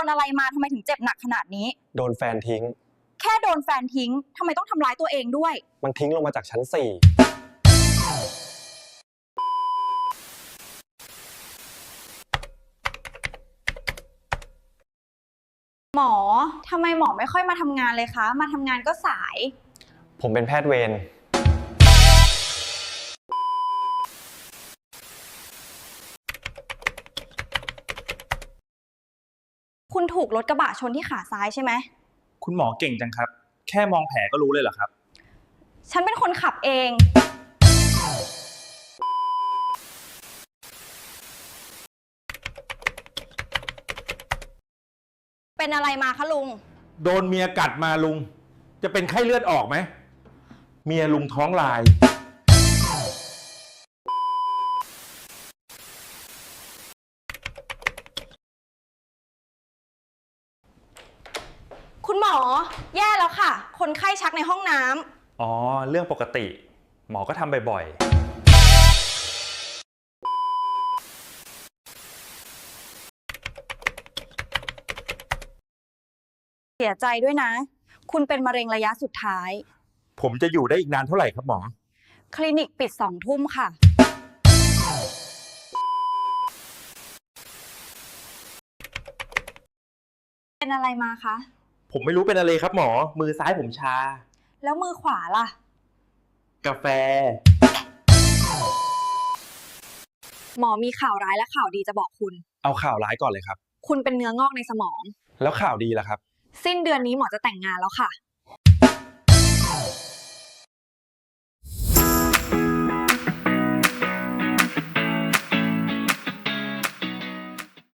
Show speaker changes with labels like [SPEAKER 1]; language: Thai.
[SPEAKER 1] อะไรมาทำไมถึงเจ็บหนักขนาดนี้
[SPEAKER 2] โดนแฟนทิ้ง
[SPEAKER 1] แค่โดนแฟนทิ้งทำไมต้องทำร้ายตัวเองด้วย
[SPEAKER 2] มันทิ้งลงมาจากชั้น4
[SPEAKER 1] หมอทำไมหมอไม่ค่อยมาทำงานเลยคะมาทำงานก็สาย
[SPEAKER 2] ผมเป็นแพทย์เวร
[SPEAKER 1] คุณถูกรถกระบะชนที่ขาซ้ายใช่ไหม
[SPEAKER 3] คุณหมอเก่งจังครับแค่มองแผลก็รู้เลยเหรอครับ
[SPEAKER 1] ฉันเป็นคนขับเองเป็นอะไรมาคะลุง
[SPEAKER 4] โดนเมียกัดมาลุงจะเป็นไข้เลือดออกไหมเมียลุงท้องลาย
[SPEAKER 1] คุณหมอแย่แล้วค่ะคนไข้ชักในห้องน้ำ
[SPEAKER 3] อ๋อเรื่องปกติหมอก็ทำบ่อย
[SPEAKER 1] เสียใจด้วยนะคุณเป็นมะเร็งระยะสุดท้าย
[SPEAKER 4] ผมจะอยู่ได้อีกนานเท่าไหร่ครับหมอ
[SPEAKER 1] คลินิกปิด2 ทุ่มค่ะเป็นอะไรมาคะ
[SPEAKER 4] ผมไม่รู้เป็นอะไรครับหมอมือซ้ายผมชา
[SPEAKER 1] แล้วมือขวาล่ะ
[SPEAKER 4] กาแฟ
[SPEAKER 1] หมอมีข่าวร้ายและข่าวดีจะบอกคุณ
[SPEAKER 2] เอาข่าวร้ายก่อนเลยครับ
[SPEAKER 1] คุณเป็นเนื้องอกในสมอง
[SPEAKER 2] แล้วข่าวดีล่ะครับ
[SPEAKER 1] สิ้นเดือนนี้หมอจะแต่งงานแล้วค่ะ